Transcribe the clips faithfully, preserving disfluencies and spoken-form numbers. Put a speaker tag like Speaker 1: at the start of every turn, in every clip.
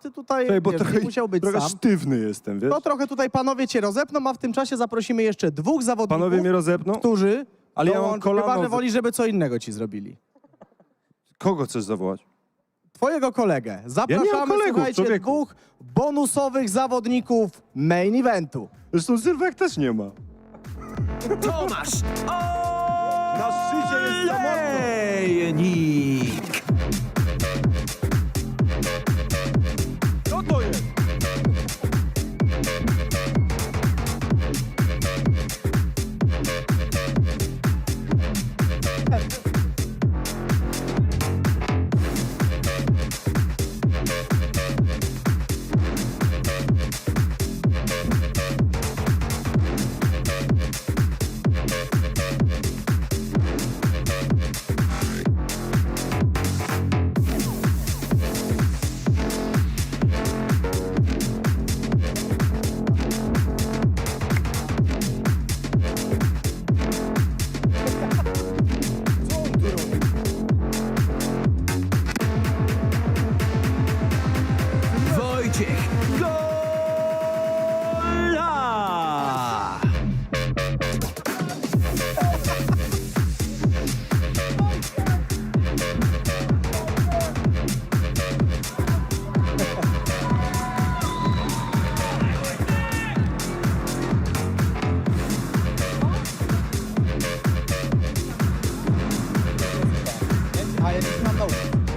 Speaker 1: ty tutaj
Speaker 2: Ej, bo
Speaker 1: wiesz,
Speaker 2: trochę,
Speaker 1: nie musiał być
Speaker 2: trochę
Speaker 1: sam.
Speaker 2: sztywny jestem, wiesz?
Speaker 1: To trochę tutaj panowie cię rozepną, a w tym czasie zaprosimy jeszcze dwóch zawodników,
Speaker 2: Panowie mnie rozepną?
Speaker 1: którzy
Speaker 2: Ale ja mam
Speaker 1: dołączą,
Speaker 2: kolano
Speaker 1: chyba, że
Speaker 2: w-
Speaker 1: woli, żeby co innego ci zrobili.
Speaker 2: Kogo chcesz zawołać?
Speaker 1: Twojego kolegę. Zapraszamy,
Speaker 2: kolegów,
Speaker 1: słuchajcie,
Speaker 2: człowieku.
Speaker 1: dwóch bonusowych zawodników main eventu.
Speaker 2: Zresztą Sylwek też nie ma.
Speaker 3: Tomasz
Speaker 2: Na szczycie jest samotny.
Speaker 3: Olejnik.
Speaker 2: Co to jest? Co on tu robi?
Speaker 3: Wojciech Gola.
Speaker 1: A ja nie mam dołu.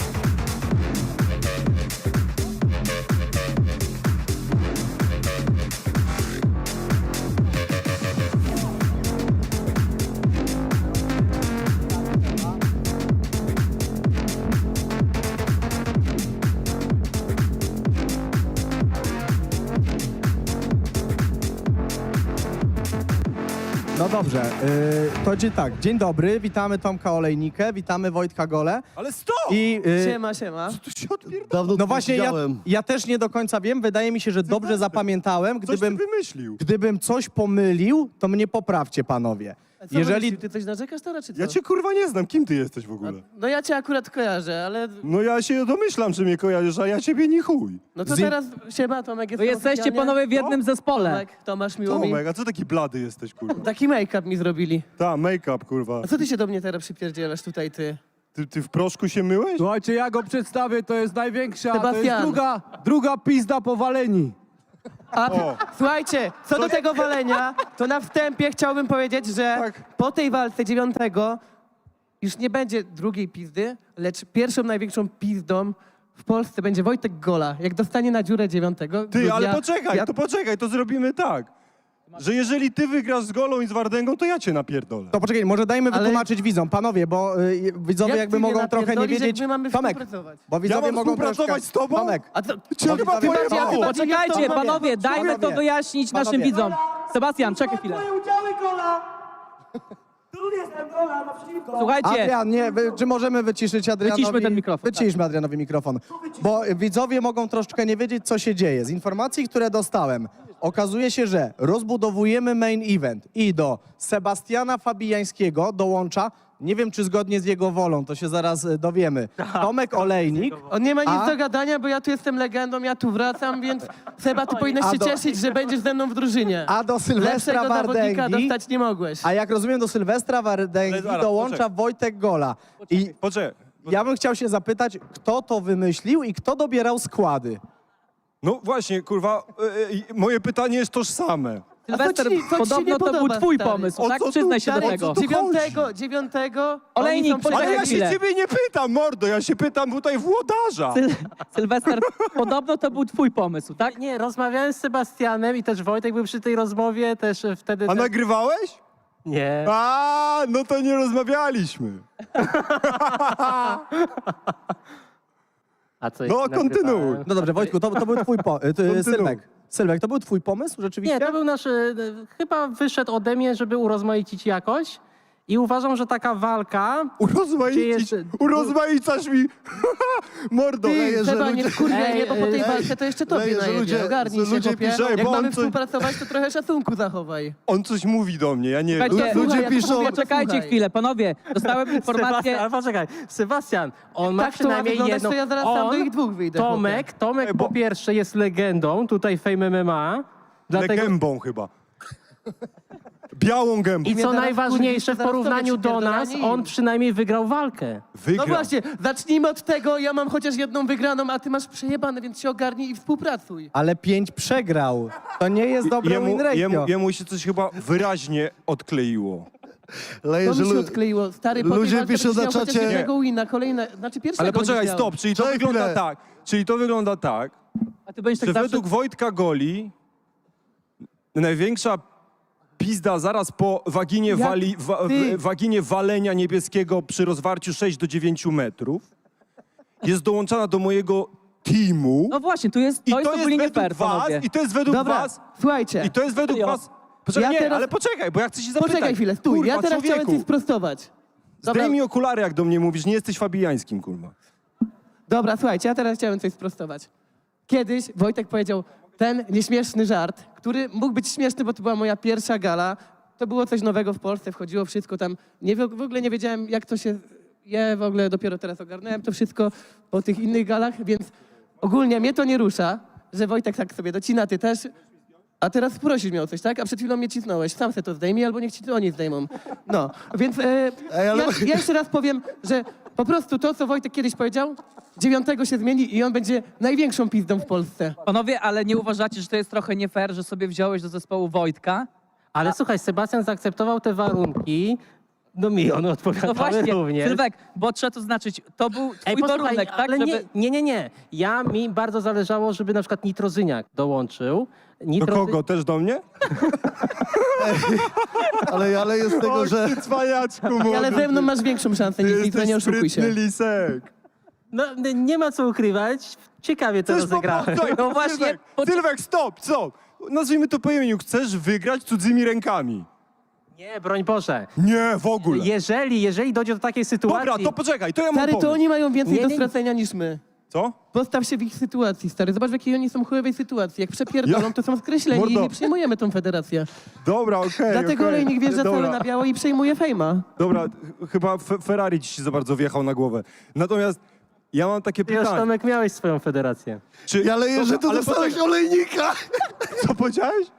Speaker 1: No dobrze, yy, to dzień tak, dzień dobry, witamy Tomka Olejnikę, witamy Wojtka Golę
Speaker 2: Ale stop!
Speaker 1: i... Yy,
Speaker 4: Siema, siema.
Speaker 2: Tu się odpierdala.
Speaker 5: Dawno
Speaker 1: no
Speaker 5: tu
Speaker 1: właśnie, ja,
Speaker 5: widziałem.
Speaker 1: ja też nie do końca wiem, wydaje mi się, że dobrze
Speaker 2: weź,
Speaker 1: zapamiętałem,
Speaker 2: Coś ty
Speaker 1: gdybym,
Speaker 2: wymyślił.
Speaker 1: gdybym coś pomylił, to mnie poprawcie, panowie.
Speaker 4: A co
Speaker 1: Jeżeli...
Speaker 4: Jeżeli... Ty coś narzekasz teraz, czy co?
Speaker 2: Ja cię kurwa nie znam. Kim ty jesteś w ogóle?
Speaker 4: No ja cię akurat kojarzę, ale...
Speaker 2: No ja się domyślam, że mnie kojarzysz, a ja ciebie nie chuj.
Speaker 4: No to
Speaker 1: Zim-
Speaker 4: teraz siema, Tomek jest
Speaker 6: Wy jesteście
Speaker 4: oficjalnie.
Speaker 6: panowie w jednym zespole.
Speaker 4: Tomek, Tomasz, miło mi.
Speaker 2: Tomek, a co taki blady jesteś, kurwa?
Speaker 4: Taki make-up mi zrobili.
Speaker 2: Ta, make-up, kurwa.
Speaker 4: A co ty się do mnie teraz przypierdzielasz tutaj, ty?
Speaker 2: Ty, ty w proszku się myłeś?
Speaker 6: Słuchajcie, ja go przedstawię, to jest największa, to jest
Speaker 4: Sebastian.
Speaker 6: druga, druga pizda po waleni.
Speaker 4: A,
Speaker 2: O.
Speaker 4: słuchajcie, co do tego walenia, to na wstępie chciałbym powiedzieć, że
Speaker 2: Tak.
Speaker 4: po tej walce dziewiątego już nie będzie drugiej pizdy, lecz pierwszą największą pizdą w Polsce będzie Wojtek Gola. Jak dostanie na dziurę dziewiątego...
Speaker 2: Ty, ale poczekaj,
Speaker 4: ja,
Speaker 2: to poczekaj, to zrobimy tak. Że jeżeli ty wygrasz z Golą i z Wardęgą, to ja cię napierdolę.
Speaker 1: To poczekaj, może dajmy
Speaker 4: Ale-
Speaker 1: wytłumaczyć widzom, panowie, bo y, widzowie
Speaker 4: Jak
Speaker 1: jakby
Speaker 4: ty mnie
Speaker 1: mogą trochę nie
Speaker 4: napierdolisz,
Speaker 1: wiedzieć.
Speaker 4: jak my mamy
Speaker 1: Tomek,
Speaker 4: współpracować?
Speaker 1: bo widzowie
Speaker 2: mam
Speaker 1: mogą
Speaker 2: współpracować
Speaker 1: troszkę...
Speaker 2: z tobą?
Speaker 1: Tomek,
Speaker 4: A to,
Speaker 2: Cię
Speaker 1: Bo
Speaker 2: chyba
Speaker 1: widzowie-
Speaker 2: pojebało.
Speaker 4: Ty bardziej-
Speaker 6: Poczekajcie, panowie, dajmy to
Speaker 1: Panowie.
Speaker 6: wyjaśnić naszym
Speaker 1: Panowie.
Speaker 6: widzom. Sebastian, czekaj chwilę. Słuchajcie,
Speaker 1: Adrian, nie, wy, czy możemy wyciszyć Adrianowi?
Speaker 6: Wyciszmy ten mikrofon,
Speaker 1: Wyciszmy Adrianowi mikrofon. Bo widzowie mogą troszeczkę nie wiedzieć, co się dzieje. Z informacji, które dostałem, okazuje się, że rozbudowujemy main event i do Sebastiana Fabijańskiego dołącza, nie wiem czy zgodnie z jego wolą, to się zaraz e, dowiemy, Tomek Olejnik.
Speaker 4: On nie ma nic
Speaker 1: A?
Speaker 4: do gadania, bo ja tu jestem legendą, ja tu wracam, więc Seba, ty powinieneś
Speaker 1: A
Speaker 4: się
Speaker 1: do-
Speaker 4: cieszyć, że będziesz ze mną w drużynie.
Speaker 1: A do Sylwestra
Speaker 4: Lepszego zawodnika
Speaker 1: Wardęgi,
Speaker 4: dostać nie mogłeś.
Speaker 1: a jak rozumiem do Sylwestra Wardęgi
Speaker 2: Ale zaraz,
Speaker 1: dołącza
Speaker 2: poczekaj.
Speaker 1: Wojtek Gola. I
Speaker 2: Poczekaj.
Speaker 1: ja bym chciał się zapytać, kto to wymyślił i kto dobierał składy?
Speaker 2: No właśnie, kurwa, e, e, moje pytanie jest tożsame.
Speaker 6: Sylwester,
Speaker 4: A co ci- co ci się
Speaker 6: podobno
Speaker 4: nie
Speaker 6: to był
Speaker 4: podoba,
Speaker 6: twój
Speaker 4: stary?
Speaker 6: pomysł,
Speaker 2: O
Speaker 6: tak?
Speaker 2: co tu-
Speaker 6: Przyznaj się do
Speaker 4: Ale
Speaker 6: tego.
Speaker 2: tu
Speaker 4: dziewiątego, dziewiątego
Speaker 6: Olejnik,
Speaker 4: oni są
Speaker 6: poczekaj
Speaker 2: Ale ja
Speaker 4: przegrani.
Speaker 2: się
Speaker 6: chwilę.
Speaker 2: ciebie nie pytam, mordo, ja się pytam tutaj włodarza.
Speaker 6: Syl Sylwester, podobno to był twój pomysł, tak?
Speaker 7: Nie, rozmawiałem z Sebastianem i też Wojtek był przy tej rozmowie, też e, wtedy...
Speaker 2: A
Speaker 7: też...
Speaker 2: nagrywałeś?
Speaker 7: Nie.
Speaker 2: A, no to nie rozmawialiśmy.
Speaker 7: A co?
Speaker 2: No,
Speaker 7: nagrywałem?
Speaker 2: kontynuuj.
Speaker 1: No dobrze, Wojtku, to, to był twój pomysł.
Speaker 2: Kontynuuj.
Speaker 1: Sylwek. Sylwek, to był twój pomysł rzeczywiście?
Speaker 7: Nie, to był nasz... e, Chyba wyszedł ode mnie, żeby urozmaicić jakoś I uważam, że taka walka...
Speaker 2: Urozmaicić,
Speaker 7: Gdzie jest-
Speaker 2: urozmaicasz mi, mordo.
Speaker 4: Ty, Seba, nie wkurwiaj
Speaker 7: Ej,
Speaker 4: mnie, bo po tej
Speaker 7: ej,
Speaker 4: walce to jeszcze tobie
Speaker 5: leje, że
Speaker 4: najedzie.
Speaker 5: ludzie-
Speaker 4: Ogarnij
Speaker 5: że
Speaker 4: się,
Speaker 5: ludzie
Speaker 4: chłopie.
Speaker 2: piszą,
Speaker 4: Jak
Speaker 2: bo on
Speaker 4: mamy
Speaker 2: coś-
Speaker 4: współpracować, to trochę szacunku zachowaj.
Speaker 2: On coś mówi do mnie, ja nie wiem.
Speaker 6: Słuchajcie,
Speaker 5: Ludzie
Speaker 4: Słuchaj, jak
Speaker 5: piszą-
Speaker 4: mówię, to
Speaker 6: Poczekajcie
Speaker 4: słuchaj.
Speaker 6: chwilę, panowie. Dostałem informację.
Speaker 7: Sebastian, ale poczekaj, Sebastian, on ma
Speaker 4: Tak to ma
Speaker 7: przynajmniej
Speaker 4: wyglądać,
Speaker 7: jedną...
Speaker 4: to ja zaraz sam
Speaker 7: on,
Speaker 4: do ich dwóch wyjdę,
Speaker 7: Tomek, Tomek
Speaker 2: Ej, bo-
Speaker 7: po pierwsze jest legendą tutaj Fame M M A, dlatego...
Speaker 2: Gębą chyba. Białą gębą.
Speaker 7: I
Speaker 4: mnie
Speaker 7: co
Speaker 4: zaraz
Speaker 7: najważniejsze, w
Speaker 4: kurwi, zaraz
Speaker 7: porównaniu
Speaker 4: tobie
Speaker 7: do nas,
Speaker 4: przypierdolanie
Speaker 7: on
Speaker 4: im.
Speaker 7: przynajmniej wygrał walkę.
Speaker 2: Wygrał.
Speaker 4: No właśnie, zacznijmy od tego, ja mam chociaż jedną wygraną, a ty masz przejebane, więc się ogarnij i współpracuj.
Speaker 1: Ale pięć przegrał. To nie jest dobre
Speaker 2: Jemu,
Speaker 1: win ratio.
Speaker 2: jemu, jemu się coś chyba wyraźnie odkleiło.
Speaker 5: Leje,
Speaker 4: To
Speaker 5: że
Speaker 4: mi się
Speaker 5: lu-
Speaker 4: odkleiło. Stary, po tej
Speaker 5: ludzie
Speaker 4: walce
Speaker 5: piszą
Speaker 4: będziesz
Speaker 5: na
Speaker 4: miał chociaż
Speaker 5: czacie-
Speaker 4: jednego wina, kolejne, znaczy pierwszego
Speaker 2: Ale poczekaj,
Speaker 4: będziesz miał.
Speaker 2: stop, czyli to
Speaker 5: Czekaj
Speaker 2: wygląda
Speaker 5: chwilę.
Speaker 2: tak. Czyli to wygląda tak,
Speaker 6: A ty będziesz tak
Speaker 2: że
Speaker 6: zawsze...
Speaker 2: według Wojtka Goli największa pizda zaraz po waginie,
Speaker 4: Jak
Speaker 2: wali, wa,
Speaker 4: ty?
Speaker 2: w- waginie walenia niebieskiego przy rozwarciu sześć do dziewięciu metrów jest dołączana do mojego teamu.
Speaker 6: No właśnie, tu jest,
Speaker 2: I
Speaker 6: to jest ogólnie nie fair,
Speaker 2: was,
Speaker 6: panowie.
Speaker 2: i to jest według
Speaker 4: Dobra,
Speaker 2: was,
Speaker 4: słuchajcie,
Speaker 2: i to jest według
Speaker 6: Serio?
Speaker 2: was... Poczekaj,
Speaker 4: Ja
Speaker 2: nie,
Speaker 4: teraz-
Speaker 2: ale poczekaj, bo ja chcę się zapytać.
Speaker 4: poczekaj chwilę, stój,
Speaker 2: Kurwa,
Speaker 4: ja teraz chciałem
Speaker 2: człowieku,
Speaker 4: coś sprostować. Dobra,
Speaker 2: zdejmij okulary, jak do mnie mówisz, nie jesteś fabijańskim, kurwa.
Speaker 4: dobra, słuchajcie, ja teraz chciałem coś sprostować. Kiedyś Wojtek powiedział ten nieśmieszny żart, który mógł być śmieszny, bo to była moja pierwsza gala. To było coś nowego w Polsce, wchodziło wszystko tam. Nie, w w ogóle nie wiedziałem, jak to się je, w ogóle dopiero teraz ogarnąłem to wszystko po tych innych galach, więc ogólnie mnie to nie rusza, że Wojtek tak sobie docina, ty też. A teraz prosisz mnie o coś, tak? A przed chwilą mnie cisnąłeś. Sam se to zdejmij, albo niech ci to oni zdejmą. No, więc e,
Speaker 5: Ej, ale-
Speaker 4: ja, ja jeszcze raz powiem, że po prostu to, co Wojtek kiedyś powiedział, dziewiątego się zmieni i on będzie największą pizdą w Polsce.
Speaker 6: Panowie, ale nie uważacie, że to jest trochę nie fair, że sobie wziąłeś do zespołu Wojtka?
Speaker 7: Ale słuchaj, Sebastian zaakceptował te warunki, no mi one
Speaker 6: No
Speaker 7: odpowiadały
Speaker 6: właśnie,
Speaker 7: również.
Speaker 6: Sylwek, bo trzeba to znaczyć, to był twój
Speaker 7: posłuchaj,
Speaker 6: warunek, tak?
Speaker 7: ale
Speaker 6: Żeby...
Speaker 7: nie, nie, nie, nie. Ja, mi bardzo zależało, żeby na przykład Nitrozyniak dołączył.
Speaker 2: Do
Speaker 7: Nitrozy-
Speaker 2: kogo? Też do mnie?
Speaker 5: Ale, ale jest tego, że...
Speaker 2: ty cwaniaczku,
Speaker 4: Ale ze mną masz większą szansę niż nic, nie oszukuj się.
Speaker 2: lisek.
Speaker 7: No, n- nie ma co ukrywać. Ciekawie to
Speaker 2: Chcesz
Speaker 7: rozegrałem.
Speaker 2: po-
Speaker 6: No właśnie,
Speaker 2: Sylwek,
Speaker 6: poczek-
Speaker 2: Sylwek, stop, stop. Nazwijmy to po imieniu. Chcesz wygrać cudzymi rękami.
Speaker 7: Nie, broń Boże.
Speaker 2: Nie, w ogóle.
Speaker 7: Jeżeli, jeżeli dojdzie do takiej sytuacji...
Speaker 2: Dobra, to poczekaj, to ja mam
Speaker 4: Stary, to
Speaker 2: pomysł.
Speaker 4: oni mają więcej
Speaker 7: Nie,
Speaker 4: do
Speaker 7: nie, nie.
Speaker 4: stracenia niż my.
Speaker 2: Co?
Speaker 4: Postaw się w ich sytuacji, stary. Zobacz, w jakiej oni są chujowej sytuacji. Jak przepierdolą,
Speaker 2: Ja-
Speaker 4: to są skreśleni
Speaker 2: Mordo.
Speaker 4: i nie przyjmujemy tą federację.
Speaker 2: Dobra, okej,
Speaker 4: Dlatego
Speaker 2: okej.
Speaker 4: olejnik wjeżdża cały
Speaker 2: Dobra.
Speaker 4: na biało i przejmuje fejma.
Speaker 2: Dobra, ch- chyba Fe- Ferrari ci się za bardzo wjechał na głowę. Natomiast ja mam takie
Speaker 7: Ty już,
Speaker 2: pytanie.
Speaker 7: Tomek, miałeś swoją federację.
Speaker 2: Czy...
Speaker 5: Ale że ty
Speaker 2: Dobra, ale
Speaker 5: dostałeś
Speaker 2: poczekaj,
Speaker 5: olejnika!
Speaker 2: co powiedziałeś?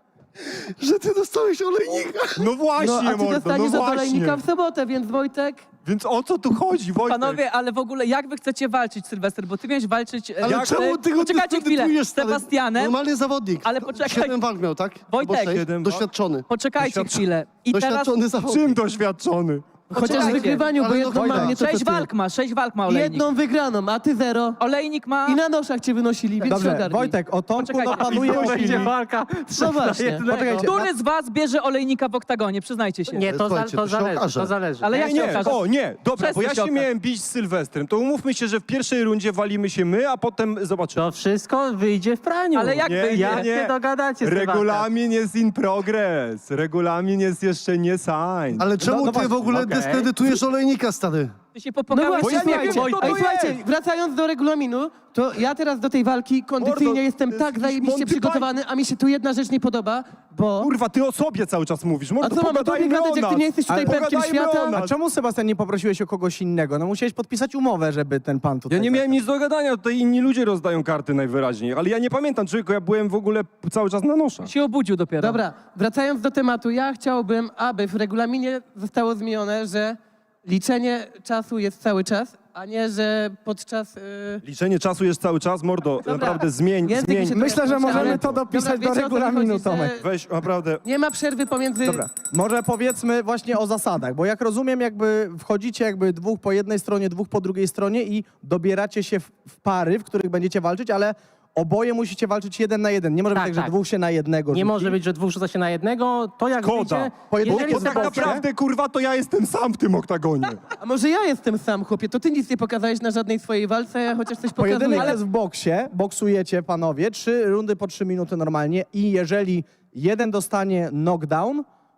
Speaker 5: Że ty dostałeś olejnika!
Speaker 2: No właśnie,
Speaker 4: No, a ty
Speaker 2: mordo, no
Speaker 4: dostaniesz od
Speaker 2: właśnie.
Speaker 4: olejnika w sobotę, więc Wojtek...
Speaker 2: Więc o co tu chodzi, Wojtek?
Speaker 6: Panowie, ale w ogóle jak wy chcecie walczyć, Sylwester? Bo ty miałeś walczyć... e,
Speaker 5: Ale
Speaker 6: jak-
Speaker 5: czemu ty go
Speaker 6: Poczekajcie chwilę,
Speaker 5: dyskredytujesz,
Speaker 6: z
Speaker 5: stary?
Speaker 6: Sebastianem.
Speaker 5: Normalny zawodnik.
Speaker 6: Ale poczekaj.
Speaker 5: Siedem walk miał, tak?
Speaker 6: Wojtek.
Speaker 5: Albo sześć.
Speaker 2: Siedem walk?
Speaker 5: Doświadczony.
Speaker 6: Poczekajcie
Speaker 2: Doświadcz-
Speaker 6: chwilę. I teraz...
Speaker 5: Doświadczony zawodnik.
Speaker 2: Czym doświadczony?
Speaker 4: Chociaż w
Speaker 6: Poczekajcie.
Speaker 4: wygrywaniu, bo
Speaker 5: Ale no
Speaker 4: jedną
Speaker 5: Wojtek,
Speaker 4: mam, nie to co
Speaker 6: Sześć
Speaker 4: ty.
Speaker 6: walk ma, sześć walk ma olejnik.
Speaker 4: Jedną wygraną, a ty zero.
Speaker 6: Olejnik ma...
Speaker 4: I na noszach cię wynosili, więc się
Speaker 1: Dobrze,
Speaker 4: ogarnij.
Speaker 1: Wojtek, o Tomku
Speaker 6: Poczekajcie.
Speaker 1: no panuje
Speaker 2: I to
Speaker 1: opinia.
Speaker 7: Będzie walka trzech na
Speaker 4: właśnie,
Speaker 7: jednego.
Speaker 1: poczekajcie.
Speaker 6: Który z was bierze olejnika w oktagonie? Przyznajcie się.
Speaker 7: Nie, to, za,
Speaker 5: Słuchajcie,
Speaker 7: to
Speaker 5: to się
Speaker 7: zależy,
Speaker 5: okaże.
Speaker 7: to zależy.
Speaker 6: Ale
Speaker 2: Nie,
Speaker 6: jak się
Speaker 2: nie,
Speaker 6: okaże?
Speaker 2: o nie, dobra, bo
Speaker 6: Przesuń
Speaker 2: ja
Speaker 6: się
Speaker 2: się
Speaker 6: okaz.
Speaker 2: miałem bić z Sylwestrem, to umówmy się, że w pierwszej rundzie walimy się my, a potem zobaczymy.
Speaker 7: To wszystko wyjdzie w praniu.
Speaker 6: Ale jak
Speaker 2: Nie,
Speaker 6: wyjdzie?
Speaker 7: Jak się dogadacie, Sebastian?
Speaker 2: Regulamin jest in progress. Regulamin jest jeszcze nie signed.
Speaker 5: Ale czemu
Speaker 1: no
Speaker 5: ty
Speaker 1: właśnie,
Speaker 5: w ogóle
Speaker 7: okej.
Speaker 5: dyskredytujesz olejnika, stary?
Speaker 6: Ty się
Speaker 4: No
Speaker 6: popogałeś
Speaker 4: właśnie,
Speaker 2: ja nie
Speaker 4: słuchajcie,
Speaker 2: wiem, kto to
Speaker 4: ej, słuchajcie,
Speaker 2: jest.
Speaker 4: wracając do regulaminu, to ja teraz do tej walki kondycyjnie
Speaker 2: Mordo,
Speaker 4: jestem
Speaker 2: to jest
Speaker 4: tak
Speaker 2: jakiś
Speaker 4: zajebiście
Speaker 2: Monty
Speaker 4: przygotowany, a mi się tu jedna rzecz nie podoba, bo...
Speaker 2: Kurwa, ty o sobie cały czas mówisz.
Speaker 4: A
Speaker 2: Mordo,
Speaker 4: co mam o tobie
Speaker 2: pogadajmy
Speaker 4: gadać,
Speaker 2: o
Speaker 4: jak ty
Speaker 2: nas.
Speaker 4: nie jesteś tutaj
Speaker 2: Ale
Speaker 4: pepkiem
Speaker 2: pogadajmy
Speaker 4: świata?
Speaker 2: o nas.
Speaker 1: A czemu, Sebastian, nie poprosiłeś o kogoś innego? No musiałeś podpisać umowę, żeby ten pan tutaj...
Speaker 2: Ja nie miałem nic do gadania, tutaj inni ludzie rozdają karty najwyraźniej, ale ja nie pamiętam, człowieku, ja byłem w ogóle cały czas na noszach.
Speaker 6: się obudził dopiero.
Speaker 4: Dobra, wracając do tematu, ja chciałbym, aby w regulaminie zostało zmienione, że liczenie czasu jest cały czas, a nie, że podczas... Yy...
Speaker 2: Liczenie czasu jest cały czas, mordo,
Speaker 4: Dobra.
Speaker 2: naprawdę zmień,
Speaker 4: Język
Speaker 2: zmień.
Speaker 4: mi się
Speaker 1: Myślę,
Speaker 4: trochę
Speaker 1: że
Speaker 4: płaci,
Speaker 1: możemy
Speaker 4: ale-
Speaker 1: to dopisać
Speaker 4: Dobra,
Speaker 1: do
Speaker 4: wiecie, o co mi
Speaker 1: regulaminu,
Speaker 4: chodzi, że
Speaker 1: Tomek.
Speaker 2: Weź, naprawdę.
Speaker 4: Nie ma przerwy pomiędzy...
Speaker 1: Dobra, może powiedzmy właśnie o zasadach, bo jak rozumiem, jakby wchodzicie jakby dwóch po jednej stronie, dwóch po drugiej stronie i dobieracie się w, w pary, w których będziecie walczyć, ale oboje musicie walczyć jeden na jeden. Nie może
Speaker 7: Tak,
Speaker 1: być tak,
Speaker 7: tak.
Speaker 1: że dwóch się na jednego
Speaker 7: Nie
Speaker 1: rzuci.
Speaker 7: może być, że dwóch rzuca się na jednego. To jak
Speaker 2: Szkoda.
Speaker 7: wyjdzie...
Speaker 1: Pojedynczy
Speaker 7: Jeżeli
Speaker 2: Bo tak
Speaker 7: Sebastian...
Speaker 2: naprawdę, kurwa, to ja jestem sam w tym oktagonie.
Speaker 4: A może ja jestem sam, chłopie, to ty nic nie pokazałeś na żadnej swojej walce, ja chociaż coś pokazuję.
Speaker 1: Pojedynek
Speaker 4: Ale
Speaker 1: jest w boksie, boksujecie panowie, trzy rundy po trzy minuty normalnie i jeżeli jeden dostanie knockdown,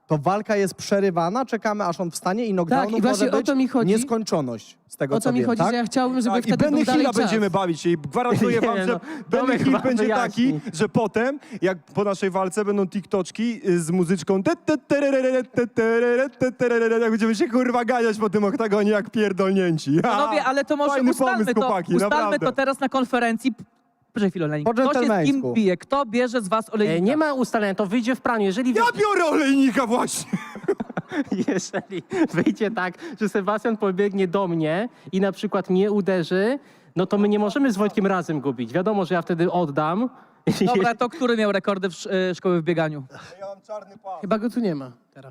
Speaker 1: to walka jest przerywana, czekamy aż on wstanie i knockdownu
Speaker 4: Tak, i właśnie
Speaker 1: może
Speaker 4: o
Speaker 1: być
Speaker 4: to mi chodzi.
Speaker 1: nieskończoność z tego,
Speaker 4: O
Speaker 1: co
Speaker 4: to mi
Speaker 1: wiem,
Speaker 4: chodzi,
Speaker 1: tak?
Speaker 4: że ja chciałbym, żeby
Speaker 2: Tak, i
Speaker 4: wtedy
Speaker 2: Benny
Speaker 4: był dalej
Speaker 2: Hilla
Speaker 4: czas.
Speaker 2: będziemy bawić się i gwarantuję
Speaker 7: Nie,
Speaker 2: wam, że
Speaker 7: no,
Speaker 2: Benny
Speaker 7: Tomek
Speaker 2: Hill
Speaker 7: wam
Speaker 2: będzie
Speaker 7: wyjaśni.
Speaker 2: taki, że potem, jak po naszej walce będą TikToczki y, z muzyczką te, te, tererere, te, tererere, te, tererere, jak będziemy się kurwa ganiać po tym oktagonie jak pierdolnięci.
Speaker 6: Panowie, ale to może
Speaker 2: Fajny
Speaker 6: ustalmy
Speaker 2: pomysł,
Speaker 6: to,
Speaker 2: chłopaki,
Speaker 6: ustalmy
Speaker 2: naprawdę.
Speaker 6: to teraz na konferencji. Proszę chwilę, Olenik.
Speaker 1: Po
Speaker 6: Kto się z kim
Speaker 1: dżentelmeńsku.
Speaker 6: bije? Kto bierze z was
Speaker 7: E,
Speaker 6: olejnika?
Speaker 7: Nie ma ustalenia, to wyjdzie w praniu. Jeżeli, wy...
Speaker 2: Ja biorę olejnika właśnie!
Speaker 7: Jeżeli wyjdzie tak, że Sebastian pobiegnie do mnie i na przykład mnie uderzy, no to my nie możemy z Wojtkiem razem go bić. Wiadomo, że ja wtedy oddam.
Speaker 6: Dobra, to który miał rekordy w sz- y, szkoły w bieganiu?
Speaker 2: Ja mam czarny pas.
Speaker 4: Chyba go tu nie ma teraz.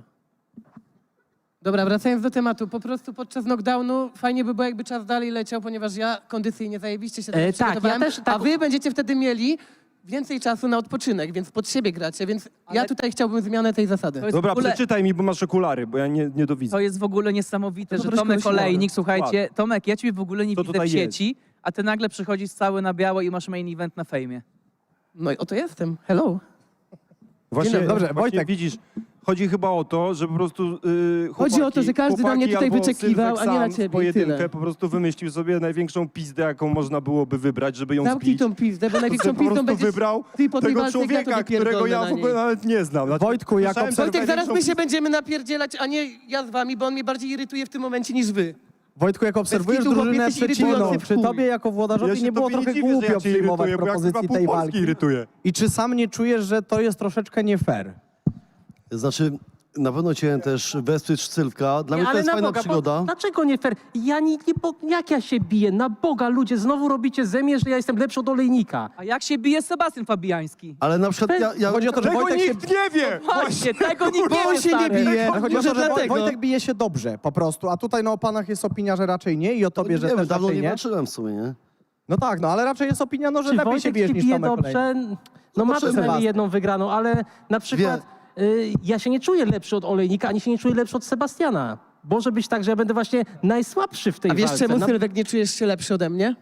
Speaker 4: Dobra, wracając do tematu. Po prostu podczas knockdownu fajnie by było, jakby czas dalej leciał, ponieważ ja kondycyjnie zajebiście się
Speaker 7: E,
Speaker 4: e,
Speaker 7: tak,
Speaker 4: przygotowałem,
Speaker 7: ja też tak-
Speaker 4: a wy będziecie wtedy mieli więcej czasu na odpoczynek, więc pod siebie gracie, więc ja tutaj chciałbym zmianę tej zasady.
Speaker 6: To jest
Speaker 2: Dobra,
Speaker 6: w ogóle,
Speaker 2: przeczytaj mi, bo masz okulary, bo ja nie, nie dowidzę.
Speaker 6: to jest w ogóle niesamowite,
Speaker 4: No to
Speaker 6: że
Speaker 4: troszkę
Speaker 6: Tomek
Speaker 4: wyśmiewam.
Speaker 6: Olejnik, słuchajcie, Tomek, ja ciebie w ogóle nie
Speaker 2: Co
Speaker 6: widzę w
Speaker 2: tutaj
Speaker 6: sieci, a ty nagle przychodzisz cały na biało i masz main event na fejmie.
Speaker 4: No i oto jestem. Hello.
Speaker 2: Właśnie,
Speaker 1: dobry. Dobrze,
Speaker 2: właśnie
Speaker 1: Wojtek.
Speaker 2: widzisz, chodzi chyba o to, że po prostu yy,
Speaker 4: Chodzi o to, że każdy na mnie tutaj
Speaker 2: chłopaki albo
Speaker 4: wyczekiwał,
Speaker 2: Sylwek
Speaker 4: a nie na
Speaker 2: sam w
Speaker 4: ciebie i
Speaker 2: pojedynkę
Speaker 4: tyle.
Speaker 2: po prostu wymyślił sobie największą pizdę, jaką można byłoby wybrać, żeby ją
Speaker 4: Zamknij
Speaker 2: zbić.
Speaker 4: tą pizdę, bo
Speaker 2: To
Speaker 4: największą
Speaker 2: sobie po
Speaker 4: pizdą
Speaker 2: prostu
Speaker 4: będziesz
Speaker 2: wybrał
Speaker 4: ty po tej
Speaker 2: tego
Speaker 4: walce, jak ja
Speaker 2: człowieka,
Speaker 4: tobie
Speaker 2: którego ja
Speaker 4: pierdolę
Speaker 2: w ogóle
Speaker 4: na niej.
Speaker 2: nawet nie znam. Znaczy,
Speaker 1: Wojtku, jak
Speaker 2: słyszałem, że
Speaker 1: obserw-
Speaker 4: Wojtek, zaraz my
Speaker 2: największą
Speaker 4: się będziemy napierdzielać, a nie ja z wami, bo on mnie bardziej irytuje w tym momencie niż wy.
Speaker 1: Wojtku, jak obserwujesz
Speaker 4: kitu, chłopie,
Speaker 1: drużynę
Speaker 4: jesteś
Speaker 1: przeciwną,
Speaker 4: irytujący w
Speaker 1: czy
Speaker 4: chuj.
Speaker 1: tobie jako
Speaker 2: Ja
Speaker 1: włodarzowi
Speaker 2: się
Speaker 1: nie było
Speaker 2: tobie
Speaker 1: trochę
Speaker 2: dziwię, że
Speaker 1: głupio
Speaker 2: ja cię
Speaker 1: przyjmować
Speaker 2: irytuję, bo ja
Speaker 1: propozycji
Speaker 2: chyba
Speaker 1: tej
Speaker 2: pół Polski
Speaker 1: walki?
Speaker 2: irytuję.
Speaker 1: I czy sam nie czujesz, że to jest troszeczkę nie fair?
Speaker 5: Znaczy, na pewno chciałem też wesprzeć Sylwka. Dla mnie to
Speaker 7: ale
Speaker 5: jest
Speaker 7: na
Speaker 5: fajna
Speaker 7: Boga,
Speaker 5: przygoda.
Speaker 7: Bo, dlaczego nie fair? Ja nie, nie, bo, jak ja się biję? Na Boga, ludzie, znowu robicie ze mnie, że ja jestem lepszy od olejnika.
Speaker 6: A jak się bije Sebastian Fabiański?
Speaker 5: Ale na przykład ja... ja
Speaker 1: Chodzi o to, że
Speaker 2: Tego
Speaker 1: Wojtek się...
Speaker 2: nikt nie wie!
Speaker 6: Właśnie, tego nikt
Speaker 4: Bo
Speaker 6: nie
Speaker 4: on
Speaker 6: wie,
Speaker 4: się nie
Speaker 6: stary.
Speaker 4: bije.
Speaker 1: Ale chodzi o
Speaker 4: Może
Speaker 1: to, że Woj-
Speaker 4: dlatego.
Speaker 1: Wojtek bije się dobrze po prostu, a tutaj no o panach jest opinia, że raczej nie i o tobie, że
Speaker 5: nie wiem,
Speaker 1: też
Speaker 5: dawno
Speaker 1: raczej
Speaker 5: nie
Speaker 1: nie.
Speaker 5: walczyłem w sumie, nie?
Speaker 1: No tak, no ale raczej jest opinia, no, że
Speaker 7: Czy
Speaker 1: lepiej się
Speaker 7: Wojtek
Speaker 1: bijesz
Speaker 7: się
Speaker 1: niż
Speaker 7: bije
Speaker 1: Tomek Olejnik.
Speaker 7: dobrze? No ma
Speaker 1: Zobaczymy.
Speaker 7: przynajmniej jedną wygraną, ale na przykład y, ja się nie czuję lepszy od olejnika, ani się nie czuję lepszy od Sebastiana. Może być tak, że ja będę właśnie najsłabszy w tej
Speaker 4: A wiesz
Speaker 7: walce.
Speaker 4: czemu,
Speaker 7: Na-
Speaker 4: Sylwek, nie czujesz się lepszy ode mnie?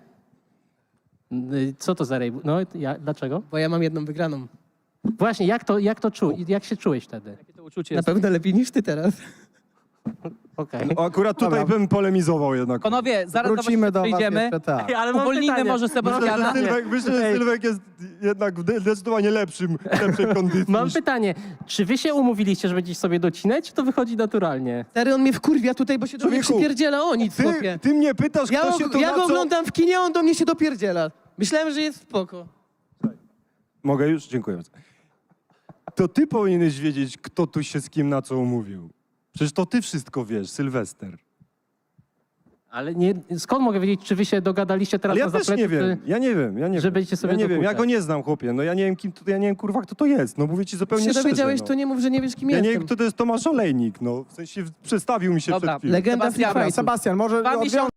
Speaker 7: Y, Co to za rej? No, ja, dlaczego?
Speaker 4: Bo ja mam jedną wygraną.
Speaker 7: Właśnie, jak to, jak to czu, jak się czułeś wtedy?
Speaker 6: Jakie to uczucie
Speaker 4: Na
Speaker 6: jest?
Speaker 4: pewno lepiej niż ty teraz.
Speaker 7: Okej.
Speaker 2: O, akurat tutaj
Speaker 1: Dobra.
Speaker 2: bym polemizował jednak.
Speaker 6: Panowie, zaraz
Speaker 1: Wrócimy do was
Speaker 6: przejdziemy.
Speaker 1: jeszcze, tak.
Speaker 7: Ale mam
Speaker 6: Uwolnijmy
Speaker 7: pytanie.
Speaker 6: może
Speaker 2: Myślę, że
Speaker 6: Sebastiana.
Speaker 2: Sylwek, myślę, że
Speaker 7: Ej.
Speaker 2: Sylwek jest jednak w zdecydowanie lepszym, lepszej kondycji.
Speaker 7: Mam
Speaker 2: niż-
Speaker 7: pytanie, czy wy się umówiliście, że będziecie sobie docinać, czy to wychodzi naturalnie?
Speaker 4: Stary, on mnie wkurwia tutaj, bo się do mnie
Speaker 2: Człowieku,
Speaker 4: przypierdziela o nic,
Speaker 2: Ty,
Speaker 4: chłopie.
Speaker 2: ty mnie pytasz,
Speaker 4: Ja,
Speaker 2: kto się
Speaker 4: go,
Speaker 2: tu
Speaker 4: ja
Speaker 2: na
Speaker 4: go
Speaker 2: co...
Speaker 4: oglądam w kinie, a on do mnie się dopierdziela. Myślałem, że jest spoko.
Speaker 2: Mogę już? Dziękuję bardzo. To ty powinieneś wiedzieć, kto tu się z kim na co umówił. Przecież to ty wszystko wiesz, Sylwester.
Speaker 7: Ale nie, skąd mogę wiedzieć, czy wy się dogadaliście teraz
Speaker 2: Ale ja
Speaker 7: na
Speaker 2: też
Speaker 7: zapleczu,
Speaker 2: nie wiem,
Speaker 7: czy...
Speaker 2: ja nie wiem, ja nie
Speaker 7: że
Speaker 2: wiem.
Speaker 7: będziecie sobie
Speaker 2: ja nie wiem, ja
Speaker 7: dokuczać.
Speaker 2: go nie znam, chłopie. No ja nie wiem, kim to, ja nie wiem, kurwa, kto to jest. No mówię ci
Speaker 4: Jak
Speaker 2: zupełnie
Speaker 4: się
Speaker 2: szczerze.
Speaker 4: dowiedziałeś,
Speaker 2: no.
Speaker 4: to nie mów, że nie wiesz, kim
Speaker 2: Ja nie
Speaker 4: jestem.
Speaker 2: wiem, kto to jest Tomasz Olejnik, no. W sensie przedstawił mi się
Speaker 6: Dobra,
Speaker 2: przed chwilą.
Speaker 4: Legenda
Speaker 6: Sebastian,
Speaker 4: Free Fightu.
Speaker 1: Sebastian, może
Speaker 6: Dwa
Speaker 1: odwiążę